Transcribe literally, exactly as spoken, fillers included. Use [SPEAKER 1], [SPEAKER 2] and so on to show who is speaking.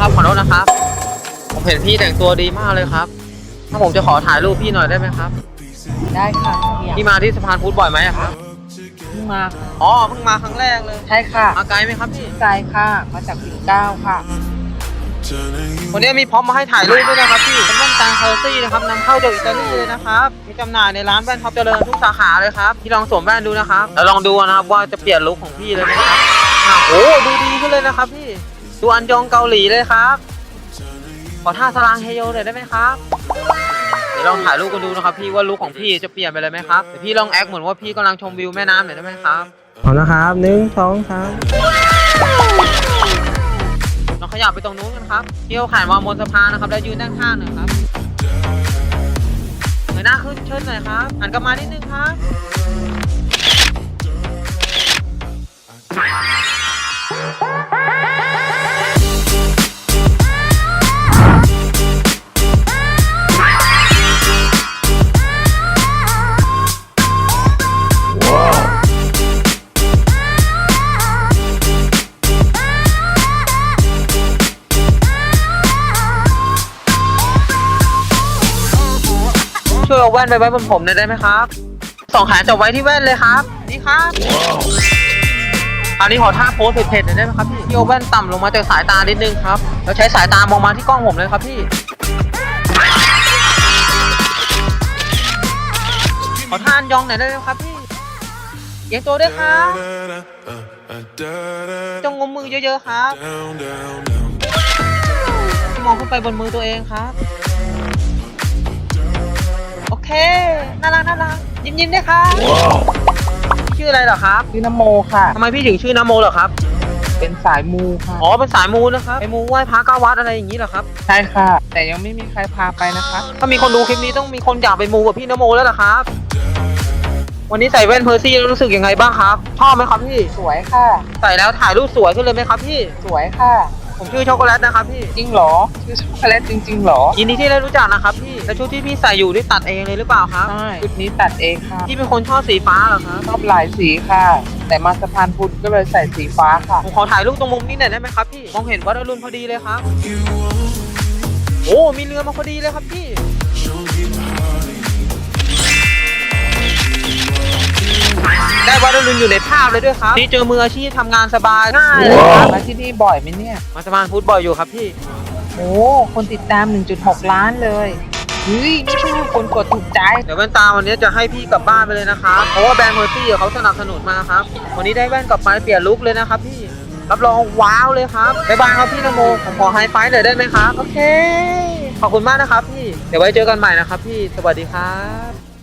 [SPEAKER 1] ครับขอโทษนะครับผมเห็นพี่แต่งตัวดีมากเลยครับถ้าผมจะขอถ่ายรูปพี่หน่อยได้ไหมครับ
[SPEAKER 2] ได้ค่ะ
[SPEAKER 1] พี่มาที่สะพานพุทธบ่อยไหมครับ
[SPEAKER 2] เพิ่งมาค่ะ
[SPEAKER 1] อ๋อเพิ่งมาครั้งแรกเลย
[SPEAKER 2] ใช่ค่ะ
[SPEAKER 1] มาไกลไหมครับพี่
[SPEAKER 2] ไกลค่ะมาจากปิ่นเกล้าค่ะ
[SPEAKER 1] วันนี้มีพร้อมมาให้ถ่ายรูปด้วยนะครับพี่เป็นแว่นตาเคอร์ซี่นะครับนำเข้าจากอิตาลีเลยนะครับมีจำหน่ายในร้านแว่นท็อปเจริญทุกสาขาเลยครับพี่ลองสวมแว่นดูนะครับแล้วลองดูนะครับว่าจะเปลี่ยนลุคของพี่เลยไหมครับโอ้ดูดีขึ้นเลยนะครับพี่ดูอันยองเกาหลีเลยครับขอท่าสลางเฮโยหน่อยได้ไหมครับเดี๋ยวลองถ่ายรูปกันดูนะครับพี่ว่าลุคของพี่จะเปลี่ยนไปเลยไหมครับเดี๋ยวพี่ลองแอคเหมือนว่าพี่กำลังชมวิวแม่น้ำหน่อยได้ไหมครับเอานะครับหนึ่งสองสามลองขยับไปตรงนู้นกันครับพี่เขาขายมาบนสะพานนะครับแล้วยืนด้านข้างหน่อยครับเงยหน้าขึ้นเชิญหน่อยครับหันกลับมานิดนึงครับช่วยเอาแว่นไปไว้บนผมหน่อยได้ไหมครับสองขาจับไว้ที่แว่นเลยครับนี่ครับคราวนี้ขอท่าโพสเผ็ดๆหน่อยได้ไหมครับพี่พี่เอาแว่นต่ำลงมาจากสายตานิดนึงครับแล้วใช้สายตามองมาที่กล้องผมเลยครับพี่ขอท่าอันยองหน่อยได้ไหมครับพี่เอียงตัวด้วยครับจงงมมือเยอะๆครับมองขึ้นไปบนมือตัวเองครับโอเคน่ารักน่ารักยิ้มยิ้มด้วยครับชื่ออะไรเหรอครับ
[SPEAKER 2] ชื่อนโมค่ะ
[SPEAKER 1] ทำไมพี่ถึงชื่อนโมเหรอครับ
[SPEAKER 2] เป็นสายมูค่ะ
[SPEAKER 1] อ๋อเป็นสายมูนะครับไปมูไหว้พระเก้าวัดอะไรอย่างนี้เหรอครับ
[SPEAKER 2] ใช่ค่ะแต่ยังไม่มีใครพาไปนะคะ
[SPEAKER 1] ถ้ามีคนดูคลิปนี้ต้องมีคนอยากไปมูกับพี่นโมแล้วล่ะครับวันนี้ใส่แว่นเพอร์ซี่แล้วรู้สึกยังไงบ้างครับชอบไหมครับพี่
[SPEAKER 2] สวยค่ะ
[SPEAKER 1] ใส่แล้วถ่ายรูปสวยขึ้นเลยไหมครับพี่
[SPEAKER 2] สวยค่ะ
[SPEAKER 1] ผมชื่อช็อกโกแลตนะครับพี่
[SPEAKER 2] จริงเหรอชื่อช็อกโกแลตจริงๆเหรอ
[SPEAKER 1] ยินดีที่ได้รู้จักนะครับพี่แล้วชุดที่พี่ใส่อยู่นี่ตัดเองเลยหรือเปล่าครับ
[SPEAKER 2] ใช่ชุดนี้ตัดเองค่ะ
[SPEAKER 1] พี่เป็นคนชอบสีฟ้าเหรอครับ
[SPEAKER 2] ชอบหลายสีค่ะแต่มาสะพานพุทธก็เลยใส่สีฟ้าค่ะ
[SPEAKER 1] ผมขอถ่ายรูปตรงมุมนี้หน่อยได้ไหมครับพี่มองเห็นวัดอรุณพอดีเลยครับโอ้มีเรือมาพอดีเลยครับพี่ได้วัดอรุณอยู่ในภาพเลยด้วยครับนี่เจอมืออาชีพทำงานสบายง่ายเลยครับ
[SPEAKER 2] มาที่นี่บ่อยไหมเนี่ย
[SPEAKER 1] มาสะพานพุทธบ่อยอยู่ครับพี่
[SPEAKER 2] โอ้คนติดตาม หนึ่งจุดหก ล้านเลยเฮ้ยนี่คือคนกดถูกใจ
[SPEAKER 1] เดี๋ยวแว่นตาวันนี้จะให้พี่กลับบ้านไปเลยนะครับเพราะว่าแบรนด์เมอร์ซี่เขาสนับสนุนมาครับวันนี้ได้แว่นกลับไปเปลี่ยนลุคเลยนะครับพี่รับรองว้าวเลยครับบ๊ายบายครับพี่นโมผมขอไฮไฟว์หน่อยได้ไหมครับโอเคขอบคุณมากนะครับพี่เดี๋ยวไว้เจอกันใหม่นะครับพี่สวัสดีครับ